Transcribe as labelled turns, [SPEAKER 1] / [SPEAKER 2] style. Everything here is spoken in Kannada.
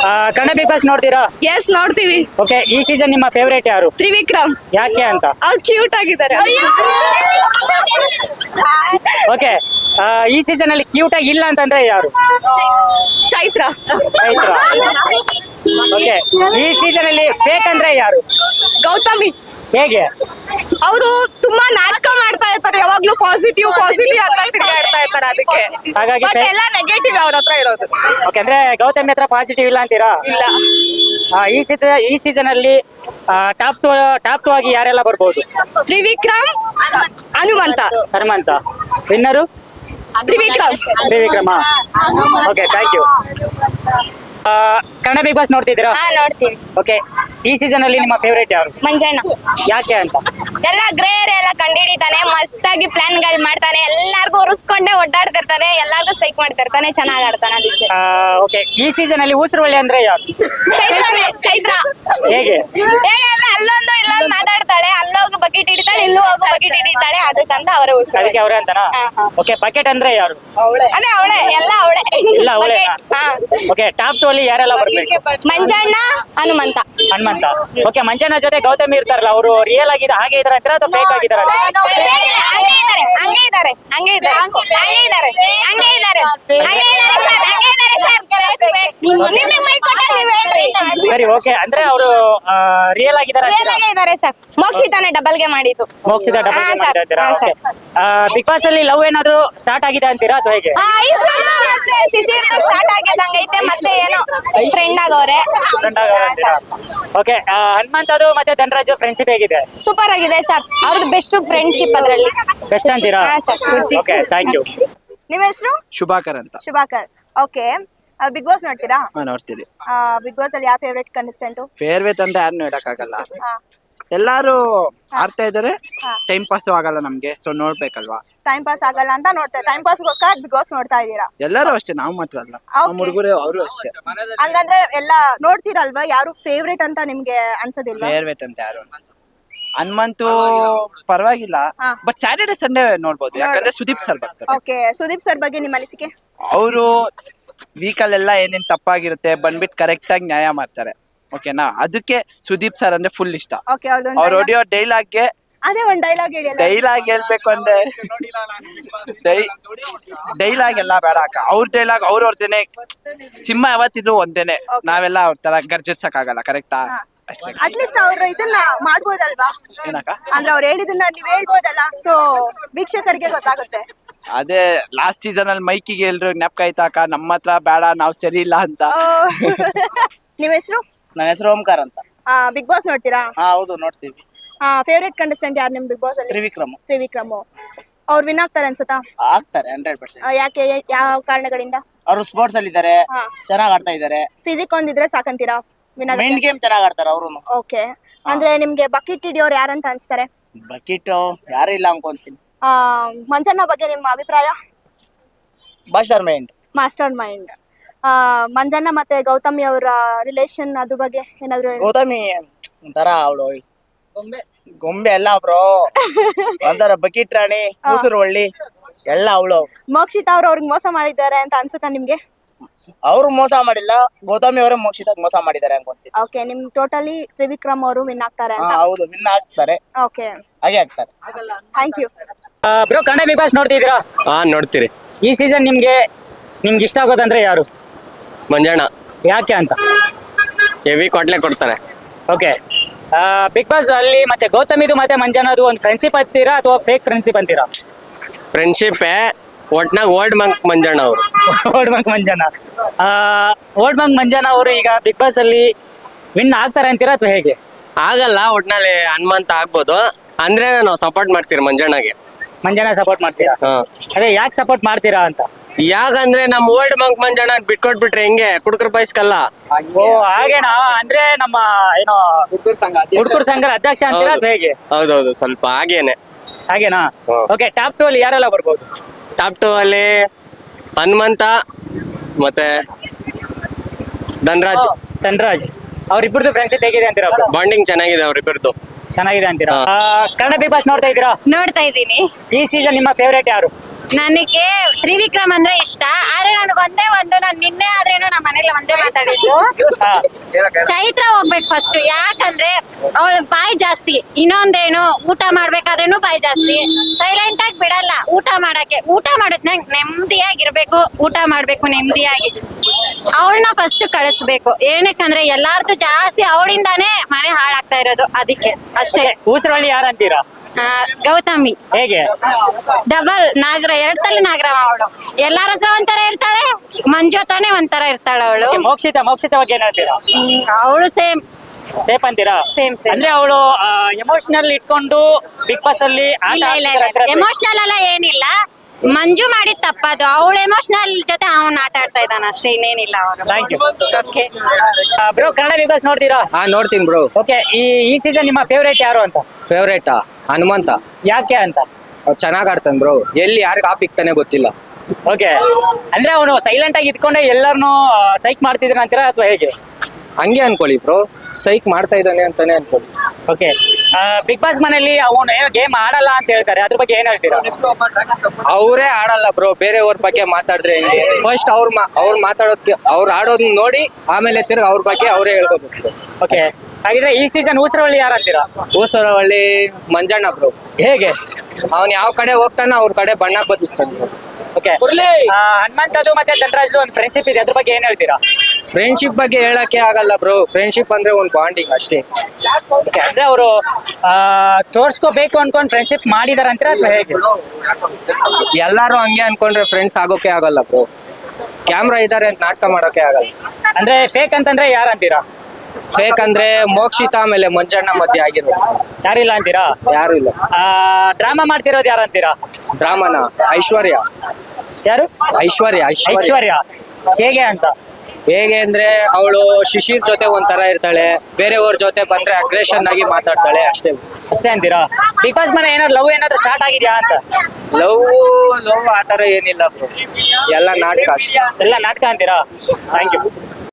[SPEAKER 1] ಕನ್ನಡ ಬಿಗ್ ಬಾಸ್ ನೋಡ್ತೀರಾ?
[SPEAKER 2] ಎಸ್ ನೋಡ್ತೀವಿ.
[SPEAKER 1] ಓಕೆ, ಈ ಸೀಸನ್ ನಿಮ್ಮ ಫೇವರೇಟ್ ಯಾರು?
[SPEAKER 2] ತ್ರಿವಿಕ್ರಮ್.
[SPEAKER 1] ಯಾಕೆ ಅಂತ?
[SPEAKER 2] ಅವ್ರು ಕ್ಯೂಟ್ ಆಗಿದ್ದಾರೆ.
[SPEAKER 1] ಓಕೆ, ಈ ಸೀಸನ್ ಅಲ್ಲಿ ಕ್ಯೂಟ್ ಆಗಿ ಇಲ್ಲ ಅಂತಂದ್ರೆ ಯಾರು?
[SPEAKER 2] ಚೈತ್ರ.
[SPEAKER 1] ಚೈತ್ರ. ಓಕೆ, ಈ ಸೀಸನ್ ಅಲ್ಲಿ ಫೇಕ್ ಅಂದ್ರೆ ಯಾರು?
[SPEAKER 2] ಗೌತಮಿ.
[SPEAKER 1] ಹೇಗೆ?
[SPEAKER 2] ಅವರು ತುಂಬಾ ನಾಟಕ ಮಾಡ್ತಾ ಇರ್ತಾರೆ, ಯಾವಾಗ್ಲೂ ಪಾಸಿಟಿವ್ ಪಾಸಿಟಿವ್ ಅಂತ ತಿರುಗಾಡ್ತಾ ಇರ್ತಾರೆ. ಅದಕ್ಕೆ
[SPEAKER 1] ಹಾಗಾಗಿ
[SPEAKER 2] ಬಟ್ ಎಲ್ಲ ನೆಗೆಟಿವ್ ಅವ್ರ ಹತ್ರ ಇರೋದು.
[SPEAKER 1] ಓಕೆ, ಅಂದ್ರೆ ಗೌತಮಿ ಹತ್ರ ಪಾಸಿಟಿವ್ ಇಲ್ಲ ಅಂತೀರಾ?
[SPEAKER 2] ಇಲ್ಲ.
[SPEAKER 1] ಈ ಸೀಸನ್ ಅಲ್ಲಿ ಟಾಪ್ ಟು ಆಗಿ ಯಾರೆಲ್ಲ ಬರ್ಬೋದು?
[SPEAKER 2] Trivikram, Hanumantha.
[SPEAKER 1] Hanumantha winner? Trivikrama. Okay, thank you. Kannada Big Boss ನೋಡ್ತಿದ್ದೀರಾ?
[SPEAKER 2] ನೋಡ್ತೀವಿ.
[SPEAKER 1] ಓಕೆ, ಈ ಸೀಸನ್ ಅಲ್ಲಿ ನಿಮ್ಮ ಫೇವರೇಟ್ ಯಾರು?
[SPEAKER 2] ಮಂಜಣ್ಣ.
[SPEAKER 1] ಯಾಕೆ ಅಂತ?
[SPEAKER 2] ಎಲ್ಲ ಗ್ರೇರ್ ಎಲ್ಲ ಕಂಡಿಡಿತಾನೆ, ಮಸ್ತಾಗಿ ಪ್ಲಾನ್ ಗಳು ಮಾಡ್ತಾನೆ, ಎಲ್ಲಾರ್ಗು ಉರ್ಸ್ಕೊಂಡೆ ಒಡ್ಡಾಡ್ತಿರ್ತಾನೆ, ಎಲ್ಲಾರ್ಗು ಸೈಕ್ ಮಾಡ್ತಿರ್ತಾನೆ, ಚೆನ್ನಾಗ್ ಆಡ್ತಾನೆ. ಅದಕ್ಕೆ
[SPEAKER 1] ಓಕೆ, ಈ ಸೀಸನ್ ಅಲ್ಲಿ ಊಸರವಳ್ಳಿ ಅಂದ್ರೆ ಯಾರು?
[SPEAKER 2] ಚೈತ್ರ.
[SPEAKER 1] ಹೇಗೆ?
[SPEAKER 2] ಹೇಗಂದ್ರೆ ಅಲ್ಲೊಂದು ಇಲ್ಲೊಂದು ಮಾತಾಡ್ತಾಳೆ, ಅಲ್ಲೋಗಿ ಬಕೆಟ್ ಹಿಡಿತಾಳೆ, ಇಲ್ಲೂ ಹೋಗು ಬಕೆಟ್ ಹಿಡಿತಾಳೆ, ಅದಕ್ಕಂತ ಅವರೇ ಉಸಿರು.
[SPEAKER 1] ಅದಕ್ಕೆ ಅವರೇ ಅಂತನಾ? ಓಕೆ, ಬಕೆಟ್ ಅಂದ್ರೆ ಯಾರು?
[SPEAKER 2] ಅದೇ ಅವಳೆ, ಎಲ್ಲ ಅವಳೆ.
[SPEAKER 1] ಇಲ್ಲ ಅವಳೇ. ಓಕೆ, ಟಾಪ್ 2 ಅಲ್ಲಿ ಯಾರೆಲ್ಲ ಬರ್ಬೇಕು?
[SPEAKER 2] ಮಂಜಣ್ಣ, ಹನುಮಂತ.
[SPEAKER 1] ಹನುಮಂತ. ಓಕೆ, ಮಂಜಣ್ಣ ಜೊತೆ ಗೌತಮಿ ಇರ್ತಾರಲ್ಲ, ಅವರು ರಿಯಲ್ ಆಗಿದೆ ಹಾಗೆ ಇದಾರೆ ಅಂತೀರಾ ಅಥವಾ ಫೇಕ್ ಆಗಿದಾರ?
[SPEAKER 2] ಹಂಗೆ ಇದಾರೆ
[SPEAKER 1] ಸರಿ, ಓಕೆ, ಅಂದ್ರೆ ಅವರು ರಿಯಲ್ ಆಗಿದ್ದಾರೆ
[SPEAKER 2] ಸರ್. ಮೋಕ್ಷಿತಾನೆ ಡಬಲ್ ಗೆ ಮಾಡಿದ್ದು.
[SPEAKER 1] ಮೋಕ್ಷಿತ ಬಿಗ್ ಬಾಸ್ ಅಲ್ಲಿ ಲವ್ ಏನಾದ್ರು ಸ್ಟಾರ್ಟ್ ಆಗಿದೆ ಅಂತೀರಾ ಅಥವಾ ಹೇಗೆ?
[SPEAKER 2] ಮತ್ತೆ ಶಿಶಿರ್ ಸ್ಟಾರ್ಟ್ ಆಗಿದಂಗೈತೆ, ಮತ್ತೆ ಏನೋ ಫ್ರೆಂಡ್ ಆಗವ್ರೆ.
[SPEAKER 1] ಓಕೆ, ಹನುಮಂತ್ ಅದು ಮತ್ತೆ ಧನರಾಜ್ ಫ್ರೆಂಡ್ಶಿಪ್ ಹೇಗಿದೆ?
[SPEAKER 2] ಸೂಪರ್ ಆಗಿದೆ ಸರ್, ಅವ್ರದ್ದು ಬೆಸ್ಟ್ ಫ್ರೆಂಡ್ಶಿಪ್ ಅದ್ರಲ್ಲಿ.
[SPEAKER 1] ಬೆಸ್ಟ್ ಅಂತೀರಾ? Okay, thank you.
[SPEAKER 2] ನಿಮ್ಮ ಹೆಸರು?
[SPEAKER 3] ಶುಭಾಕರ್ ಅಂತ.
[SPEAKER 2] ಶುಭಾಕರ್. ಓಕೆ, ಬಿಗ್ ಬಾಸ್ ನೋಡ್ತೀರಾ?
[SPEAKER 3] ನೋಡ್ತೀರಿ.
[SPEAKER 2] ಬಿಗ್ ಬಾಸ್ ಅಲ್ಲಿ ಯಾವ ಫೇವರೇಟ್ ಕಂಟೆಸ್ಟೆಂಟ್?
[SPEAKER 3] ಫೇರ್ವೇಟ್ ಅಂತ ಯಾರನ್ನು ಹೇಳಕ್ಕಾಗಲ್ಲ, ಎಲ್ಲಾರು ಆಡ್ತಾ ಇದಾರೆ, ಟೈಮ್ ಪಾಸ್ ಆಗಲ್ಲ ನಮ್ಗೆ, ಸೊ ನೋಡ್ಬೇಕಲ್ವಾ.
[SPEAKER 2] ಟೈಮ್ ಪಾಸ್ ಆಗಲ್ಲ ಅಂತ ನೋಡ್ತಾ, ಟೈಮ್ ಪಾಸ್ಗೋಸ್ಕರ ಬಿಗ್ ಬಾಸ್ ನೋಡ್ತಾ ಇದ್ದೀರಾ?
[SPEAKER 3] ಎಲ್ಲರೂ ಅಷ್ಟೇ, ನಾವು ಮಾತ್ರ ಅಲ್ಲ, ನಮ್ಮ ಹುಡುಗರು ಅವರು ಅಷ್ಟೇ.
[SPEAKER 2] ಹಂಗಂದ್ರೆ ಎಲ್ಲ ನೋಡ್ತೀರಲ್ವಾ? ಯಾರು ಫೇವ್ರೇಟ್ ಅಂತ ನಿಮ್ಗೆ ಅನ್ಸೋದಿಲ್ಲ?
[SPEAKER 3] ಫೇರ್ವೇಟ್ ಅಂತ ಯಾರು ಹನುಮಂತು ಪರವಾಗಿಲ್ಲ, ಬಟ್ ಸ್ಯಾಟರ್ಡೆ ಸಂಡೇ ನೋಡ್ಬೋದು, ಯಾಕಂದ್ರೆ ಸುದೀಪ್ ಸರ್ ಬರ್ತಾರೆ.
[SPEAKER 2] ಓಕೆ, ಸುದೀಪ್ ಸರ್ ಬಗ್ಗೆ ನಿಮ್ಮ ಅನಿಸಿಕೆ?
[SPEAKER 3] ಅವರು ವೀಕಲ್ಲೆಲ್ಲ ಏನೇನ್ ತಪ್ಪಾಗಿರುತ್ತೆ ಬಂದ್ಬಿಟ್ಟು ಕರೆಕ್ಟ್ ಆಗಿ ನ್ಯಾಯ ಮಾಡ್ತಾರೆ. ಓಕೆನಾ, ಅದಕ್ಕೆ ಸುದೀಪ್ ಸರ್ ಅಂದ್ರೆ ಫುಲ್ ಇಷ್ಟ.
[SPEAKER 2] ಓಕೆ,
[SPEAKER 3] ಅವ್ರು ಹೊಡಿಯೋ ಡೈಲಾಗ್ಗೆ
[SPEAKER 2] ಅದೇ ಒಂದು ಡೈಲಾಗ್ ಹೇಳಿ.
[SPEAKER 3] ಡೈಲಾಗ್ ಹೇಳ್ಬೇಕು ಅಂದ್ರೆ ಡೈಲಾಗ್ ಎಲ್ಲ ಬೇಡ ಅಕ್ಕ, ಅವ್ರ ಡೈಲಾಗ್ ಅವ್ರವ್ರದೇನೆ. ಸಿಂಹ ಯಾವತ್ತಿದ್ರು ಒಂದೇನೆ, ನಾವೆಲ್ಲ ಅವ್ರ ತರ ಗರ್ಜಿಸಕ್ ಆಗಲ್ಲ. ಕರೆಕ್ಟಾ? ಅಷ್ಟೇ.
[SPEAKER 2] ಅಟ್ಲೀಸ್ಟ್ ಅವ್ರು ಇದನ್ನ ಮಾಡ್ಬೋದಲ್ವಾ?
[SPEAKER 3] ಏನಕ್ಕ?
[SPEAKER 2] ಅಂದ್ರೆ ಅವ್ರು ಹೇಳಿದನ್ನ ನೀವ್ ಹೇಳ್ಬೋದಲ್ಲ, ಸೊ ವೀಕ್ಷಕರಿಗೆ ಗೊತ್ತಾಗುತ್ತೆ.
[SPEAKER 3] ಅದೇ ಲಾಸ್ಟ್ ಸೀಸನ್ ಅಲ್ಲಿ ಮೈಕಿಗೆ ಎಲ್ರು ಜ್ಞಾಪಕ ಆಯ್ತಾಕ, ನಮ್ಮ ಹತ್ರ ಬೇಡ, ನಾವ್ ಸರಿ ಇಲ್ಲ ಅಂತ.
[SPEAKER 2] ನಿಮ್ ಹೆಸರು?
[SPEAKER 3] ನನ್ನ ಹೆಸರು ಓಂಕಾರ ಅಂತ.
[SPEAKER 2] ಬಿಗ್ ಬಾಸ್ ನೋಡ್ತೀರಾ?
[SPEAKER 3] ಹೌದು, ನೋಡ್ತೀವಿ.
[SPEAKER 2] ಫೇವರೇಟ್ ಕಂಟೆಸ್ಟೆಂಟ್ ಯಾರು ನಿಮ್ ಬಿಗ್ ಬಾಸ್ ಅಲ್ಲಿ? ತ್ರಿವಿಕ್ರಮ್. ಅವ್ರು ವಿನ್ ಆಗ್ತಾರೆ ಅನ್ಸುತ್ತಾ?
[SPEAKER 3] ಆಗ್ತಾರೆ 100%.
[SPEAKER 2] ಯಾಕೆ, ಯಾವ ಕಾರಣಗಳಿಂದ?
[SPEAKER 3] ಅವರು ಸ್ಪೋರ್ಟ್ಸ್ ಅಲ್ಲಿ ಇದಾರೆ, ಚೆನ್ನಾಗ್ ಆಡ್ತಾ ಇದಾರೆ.
[SPEAKER 2] ಫಿಸಿಕ್ ಒಂದಿದ್ರೆ ಸಾಕಂತೀರಾ?
[SPEAKER 3] ಮೈಂಡ್ ಗೇಮ್ ಚೆನ್ನಾಗ್ ಆಡ್ತಾರೆ ಅವರು.
[SPEAKER 2] ಓಕೆ, ಅಂದ್ರೆ ನಿಮ್ಗೆ ಬಕೆಟ್ ಹಿಡಿಯೋರು ಯಾರಂತ ಅನ್ಸ್ತಾರೆ?
[SPEAKER 3] ಬಕೆಟ್ ಯಾರು ಇಲ್ಲ ಅನ್ಕೊಂತೀನಿ.
[SPEAKER 2] ಮಂಜಣ್ಣ ಬಗ್ಗೆ ನಿಮ್ಮ ಅಭಿಪ್ರಾಯ? Master mind. ಮಂಜಣ್ಣ ಮತ್ತೆ ಗೌತಮಿ ಅವರ ರಿಲೇಶನ್ ಅದ್ರ ಬಗ್ಗೆ ಏನಾದ್ರು?
[SPEAKER 3] ಗೌತಮಿ ಒಂಥರ ಅವಳು ಗೊಂಬೆ ಎಲ್ಲ ಬ್ರೋ, ಒಂಥರ ಬಕೆಟ್ ರಾಣಿ, ಕೂಸುರು ಒಳ್ಳಿ ಎಲ್ಲ ಅವಳು.
[SPEAKER 2] ಮೋಕ್ಷಿತಾ ಅವ್ರು ಅವ್ರಿಗೆ ಮೋಸ ಮಾಡಿದ್ದಾರೆ ಅಂತ ಅನ್ಸುತ್ತಾ ನಿಮ್ಗೆ?
[SPEAKER 3] ಅವ್ರು ಮೋಸ ಮಾಡಿಲ್ಲ, ಗೌತಮಿ ಅವರೇ ಮೋಕ್ಷಿತ ಮೋಸ ಮಾಡಿದ್ದಾರೆ ಅನ್ಕೊಂತೀನಿ.
[SPEAKER 2] ಓಕೆ, ನಿಮ್ ಟೋಟಲಿ ತ್ರಿವಿಕ್ರಮ್ ಅವರು ವಿನ್ ಆಗ್ತಾರೆ ಅಂತ?
[SPEAKER 3] ಹೌದು, ವಿನ್ ಆಗ್ತಾರೆ.
[SPEAKER 2] ಓಕೆ,
[SPEAKER 3] ಹಾಗೆ ಆಗ್ತಾರೆ.
[SPEAKER 2] Thank you.
[SPEAKER 1] Bro, Kannada Big Boss ನೋಡ್ತಿದ್ದೀರಾ?
[SPEAKER 4] ನೋಡ್ತೀರಿ.
[SPEAKER 1] ಈ ಸೀಸನ್ ನಿಮ್ಗೆ ಇಷ್ಟ ಆಗೋದಂದ್ರೆ ಯಾರು?
[SPEAKER 4] ಮಂಜಣ್ಣ.
[SPEAKER 1] ಯಾಕೆ ಅಂತ?
[SPEAKER 4] ಹೆವಿ ಕೊಟ್ಲೆ ಕೊಡ್ತಾನೆ.
[SPEAKER 1] ಓಕೆ, ಬಿಗ್ ಬಾಸ್ ಅಲ್ಲಿ ಮತ್ತೆ ಗೌತಮಿದು ಮತ್ತೆ ಮಂಜನದು ಒಂದು ಫ್ರೆಂಡ್ಶಿಪ್ ಅಂತೀರಾ ಅಥವಾ ಫೇಕ್ ಫ್ರೆಂಡ್ಶಿಪ್ ಅಂತೀರಾ?
[SPEAKER 4] ಫ್ರೆಂಡ್ಶಿಪ್ ಒಟ್ನಾಗ ಓಲ್ಡ್ ಮಂಕ್ ಮಂಜಣ್ಣ ಅವರು.
[SPEAKER 1] ಓಲ್ಡ್ ಮಂಕ್ ಮಂಜಣ್ಣ ಅವರು ಈಗ ಬಿಗ್ ಬಾಸ್ ಅಲ್ಲಿ ವಿನ್ ಆಗ್ತಾರೆ ಅಂತೀರಾ ಅಥವಾ ಹೇಗೆ?
[SPEAKER 4] ಆಗಲ್ಲ, ಒಟ್ನಲ್ಲಿ ಹನುಮಂತ ಆಗ್ಬೋದು. ಅಂದ್ರೆ ನಾವು ಸಪೋರ್ಟ್ ಮಾಡ್ತೀರಿ ಮಂಜಣ್ಣಗೆ.
[SPEAKER 1] ಮಂಜಣ್ಣ ಸಪೋರ್ಟ್ ಮಾಡ್ತೀರಾ? ಅದೇ ಯಾಕೆ ಸಪೋರ್ಟ್ ಮಾಡ್ತೀರಾ ಅಂತ?
[SPEAKER 4] ಯಾಕಂದ್ರೆ ನಮ್ ಓಲ್ಡ್ ಮಂಕ್ ಮಂಜಣ್ಣ ಬಿಟ್ಕೊಟ್ಬಿಟ್ರೆ ಹೆಂಗೆ ಕುಡುಕರ ಬಯಸ್ಕಲ್ಲ.
[SPEAKER 1] ಓ, ಹಾಗೇನಾ? ಅಂದ್ರೆ ನಮ್ಮ ಏನೋ ಹುಡುಗರ ಸಂಘದ ಅಧ್ಯಕ್ಷ ಅಂತೀರಾ ಅಥವಾ ಹೇಗೆ?
[SPEAKER 4] ಹೌದೌದು, ಸ್ವಲ್ಪ ಹಾಗೇನಾ? ಓಕೆ, ಟಾಪ್ 2 ಅಲ್ಲಿ ಯಾರೆಲ್ಲ ಬರ್ಬೋದು? ಟಾಪ್ 2 ಅಲ್ಲಿ ಹನುಮಂತ ಮತ್ತೆ ಧನರಾಜ್. ಅವ್ರಿಬ್ರದ್ದು ಫ್ರೆಂಡ್ಶಿಪ್ ಹೇಗಿದೆ ಅಂತೀರಾ? ಬಾಂಡಿಂಗ್ ಚೆನ್ನಾಗಿದೆ ಅವ್ರಿಬ್ರದ್ದು. ಚೆನ್ನಾಗಿದೆ ಅಂತೀರಾ? ಕನ್ನಡ ಬಿಗ್ ಬಾಸ್ ನೋಡ್ತಾ ಇದ್ದೀರಾ?
[SPEAKER 2] ನೋಡ್ತಾ ಇದ್ದೀನಿ.
[SPEAKER 1] ಈ ಸೀಸನ್ ನಿಮ್ಮ ಫೇವರೇಟ್ ಯಾರು?
[SPEAKER 5] ನನಗೆ ತ್ರಿವಿಕ್ರಮ್ ಅಂದ್ರೆ ಇಷ್ಟ ಆದ್ರೆ ನನಗೊಂದೇ ನಾನು ನಿನ್ನೆ ಆದ್ರೇನು ನಮ್ಮ ಮನೇಲಿ ಒಂದೇ ಮಾತಾಡಿದ್ದು
[SPEAKER 1] ಹಾ
[SPEAKER 5] ಚೈತ್ರ ಹೋಗ್ಬೇಕು ಫಸ್ಟ್ ಯಾಕಂದ್ರೆ ಅವಳ ಬಾಯಿ ಜಾಸ್ತಿ ಇನ್ನೊಂದೇನು ಊಟ ಮಾಡ್ಬೇಕಾದ್ರೇನು ಬಾಯಿ ಜಾಸ್ತಿ ಸೈಲೆಂಟ್ ಆಗಿ ಬಿಡಲ್ಲ ಊಟ ಮಾಡೋದ್ನಾಗ ನೆಮ್ಮದಿಯಾಗಿರ್ಬೇಕು ಊಟ ಮಾಡ್ಬೇಕು ನೆಮ್ಮದಿಯಾಗಿ ಅವಳನ್ನ ಫಸ್ಟ್ ಕಳಿಸ್ಬೇಕು ಏನಕ್ಕಂದ್ರೆ ಎಲ್ಲಾರ್ದು ಜಾಸ್ತಿ ಅವಳಿಂದಾನೇ ಮನೆ ಹಾಳಾಗ್ತಾ ಇರೋದು ಅದಕ್ಕೆ ಅಷ್ಟೇ
[SPEAKER 1] ಊಸರವಳ್ಳಿ ಯಾರು ಅಂತೀರಾ?
[SPEAKER 5] ಗೌತಮಿ
[SPEAKER 1] ಹೇಗೆ?
[SPEAKER 5] ಡಬಲ್ ಎರಡ್ ತಲೆ ನಾಗರಮ್ಮ ಅವಳು ಎಲ್ಲಾರ ಹತ್ರ ಒಂಥರ ಇರ್ತಾಳೆ ಮಂಜು ಹತ್ರನೇ ಒಂಥರ ಇರ್ತಾಳೆ ಅವಳು
[SPEAKER 1] ಮೋಕ್ಷಿತ ಬಗ್ಗೆ ಏನ್ ಹೇಳ್ತೀರಾ?
[SPEAKER 5] ಅವಳು ಸೇಮ್
[SPEAKER 1] ಸೇಫ್ ಅಂತೀರಾ?
[SPEAKER 5] Same.
[SPEAKER 1] ಅಂದ್ರೆ ಅವಳು ಎಮೋಷನಲ್ ಇಟ್ಕೊಂಡು ಬಿಗ್ ಬಾಸ್ ಅಲ್ಲಿ ಆಟ
[SPEAKER 5] ಇಲ್ಲ
[SPEAKER 1] ಆಡ್ತಿರೋ
[SPEAKER 5] ಎಮೋಷನಲ್ ಎಲ್ಲ ಏನಿಲ್ಲ ಮಂಜು ಮಾಡಿದ ತಪ್ಪದು ಅವಳ ಎಮೋಷನಲ್ ಜೊತೆ ಅವನ್ ಆಟ ಆಡ್ತಾ ಇದ್ದಾನ ಅಷ್ಟೇ ಇನ್ನೇನಿಲ್ಲ
[SPEAKER 1] Thank you.
[SPEAKER 5] Okay
[SPEAKER 1] bro Kannada Big Boss ನೋಡ್ತೀರಾ?
[SPEAKER 6] ಹಾ ನೋಡ್ತೀನಿ ಬ್ರೋ.
[SPEAKER 1] ಓಕೆ ಈ ಸೀಸನ್ ನಿಮ್ಮ ಫೇವರೇಟ್ ಯಾರು ಅಂತ?
[SPEAKER 6] ಫೇವ್ರೇಟಾ ಹನುಮಂತ.
[SPEAKER 1] ಯಾಕೆ ಅಂತ?
[SPEAKER 6] ಚೆನ್ನಾಗ್ ಆಡ್ತಾನೆ ಬ್ರೋ. ಎಲ್ಲಿ ಯಾರಿಗೆ ಆಪ್ ಇಕ್ತಾನೆ ಗೊತ್ತಿಲ್ಲ.
[SPEAKER 1] ಓಕೆ ಅಂದ್ರೆ ಅವನು ಸೈಲೆಂಟ್ ಆಗಿ ಇದ್ಕೊಂಡೆ ಎಲ್ಲರನ್ನು ಸೈಕ್ ಮಾಡ್ತಿದ್ರ ಅಂತೀರಾ ಅಥವಾ ಹೇಗೆ?
[SPEAKER 6] ಹಂಗೆ ಅನ್ಕೊಳ್ಳಿ ಬ್ರೋ, ಸೈಕ್ ಮಾಡ್ತಾ ಇದ್ದಾನೆ ಅಂತಾನೆ ಅನ್ಕೊಳ್ಳಿ.
[SPEAKER 1] ಓಕೆ ಬಿಗ್ ಬಾಸ್ ಮನೆಯಲ್ಲಿ ಅವನು ಏನೋ ಗೇಮ್ ಆಡಲ್ಲ ಅಂತ ಹೇಳ್ತಾರೆ, ಅದ್ರ ಬಗ್ಗೆ ಏನ್ ಹೇಳ್ತೀರಾ?
[SPEAKER 6] ಅವರೇ ಆಡಲ್ಲ ಬ್ರೋ, ಬೇರೆಯವ್ರ ಬಗ್ಗೆ ಮಾತಾಡಿದ್ರೆ ಹೆಂಗೆ? ಫಸ್ಟ್ ಅವ್ರು ಮಾತಾಡೋದಕ್ಕೆ ಅವ್ರು ಆಡೋದನ್ನ ನೋಡಿ ಆಮೇಲೆ ತಿರ್ಗಿ ಅವ್ರ ಬಗ್ಗೆ ಅವರೇ ಹೇಳ್ಕೋಬೇಕು.
[SPEAKER 1] ಓಕೆ ಹಾಗಿದ್ರೆ ಈ ಸೀಸನ್ ಊಸರವಳ್ಳಿ ಯಾರು ಅಂತೀರಾ?
[SPEAKER 6] ಊಸರವಳ್ಳಿ ಮಂಜಣ್ಣ ಬ್ರೋ.
[SPEAKER 1] ಹೇಗೆ?
[SPEAKER 6] ಅವ್ನ್ ಯಾವ ಕಡೆ ಹೋಗ್ತಾನ ಅವ್ರ ಕಡೆ ಬಣ್ಣ ಬದಲಿಸ್ತಾನೆ ಬ್ರೋ.
[SPEAKER 1] ಓಕೆ ಹನುಮಂತದು ಮತ್ತೆ ಧನರಾಜ್ದು ಒಂದು ಫ್ರೆಂಡ್ಶಿಪ್ ಇದೆ, ಅದ್ರ ಬಗ್ಗೆ ಏನ್ ಹೇಳ್ತೀರಾ?
[SPEAKER 6] ಫ್ರೆಂಡ್ಶಿಪ್ ಬಗ್ಗೆ ಹೇಳಕ್ಕೆ ಆಗಲ್ಲ ಬ್ರೋ. ಫ್ರೆಂಡ್ಶಿಪ್ ಅಂದ್ರೆ ಒಂದು ಬಾಂಡಿಂಗ್ ಅಷ್ಟೇ.
[SPEAKER 1] ಓಕೆ ಅಂದ್ರೆ ಅವರು ತೋರ್ಸ್ಕೋಬೇಕು ಅನ್ಕೊಂಡ್ ಫ್ರೆಂಡ್ಶಿಪ್ ಮಾಡಿದಾರ ಅಂತೀರಾ ಅಥವಾ ಹೇಗೆ?
[SPEAKER 6] ಎಲ್ಲಾರು ಹಂಗೆ ಅನ್ಕೊಂಡ್ರೆ ಫ್ರೆಂಡ್ಸ್ ಆಗೋಕೆ ಆಗಲ್ಲ ಬ್ರೋ. ಕ್ಯಾಮ್ರಾ ಇದಾರೆ ಅಂತ ನಾಟಕ ಮಾಡೋಕೆ ಆಗಲ್ಲ.
[SPEAKER 1] ಅಂದ್ರೆ ಫೇಕ್ ಅಂತಂದ್ರೆ ಯಾರು ಅಂತೀರಾ?
[SPEAKER 6] ಫೇಕ್ ಅಂದ್ರೆ ಮೋಕ್ಷಿತ ಆಮೇಲೆ ಮಂಜಣ್ಣ ಮಧ್ಯೆ ಆಗಿರೋದು.
[SPEAKER 1] ಯಾರಿಲ್ಲ ಅಂತೀರಾ?
[SPEAKER 6] ಯಾರು ಇಲ್ಲ.
[SPEAKER 1] ಡ್ರಾಮಾ ಮಾಡ್ತಿರೋದು ಯಾರು ಅಂತೀರಾ?
[SPEAKER 6] ಡ್ರಾಮನ ಐಶ್ವರ್ಯ.
[SPEAKER 1] ಯಾರು?
[SPEAKER 6] ಐಶ್ವರ್ಯ.
[SPEAKER 1] ಐಶ್ವರ್ಯ ಹೇಗೆ ಅಂತ?
[SPEAKER 6] ಹೇಗೆ ಅಂದ್ರೆ ಅವಳು ಶಿಶಿರ್ ಜೊತೆ ಒಂಥರ ಇರ್ತಾಳೆ, ಬೇರೆಯವ್ರ ಜೊತೆ ಬಂದ್ರೆ ಅಗ್ರೆಷನ್ ಆಗಿ ಮಾತಾಡ್ತಾಳೆ ಅಷ್ಟೇ.
[SPEAKER 1] ಅಷ್ಟೇ ಅಂತೀರಾ? ಬಿಗ್ ಬಾಸ್ ಮನೆ ಏನಾದ್ರು ಲವ್ ಏನಾದ್ರು ಸ್ಟಾರ್ಟ್ ಆಗಿದ್ಯಾ ಅಂತ?
[SPEAKER 6] ಲವ್ ಆತರ ಏನಿಲ್ಲ ಬ್ರೋ, ಎಲ್ಲ ನಾಟಕ ಅಷ್ಟೇ.
[SPEAKER 1] ಎಲ್ಲ ನಾಟಕ ಅಂತೀರಾ? Thank you.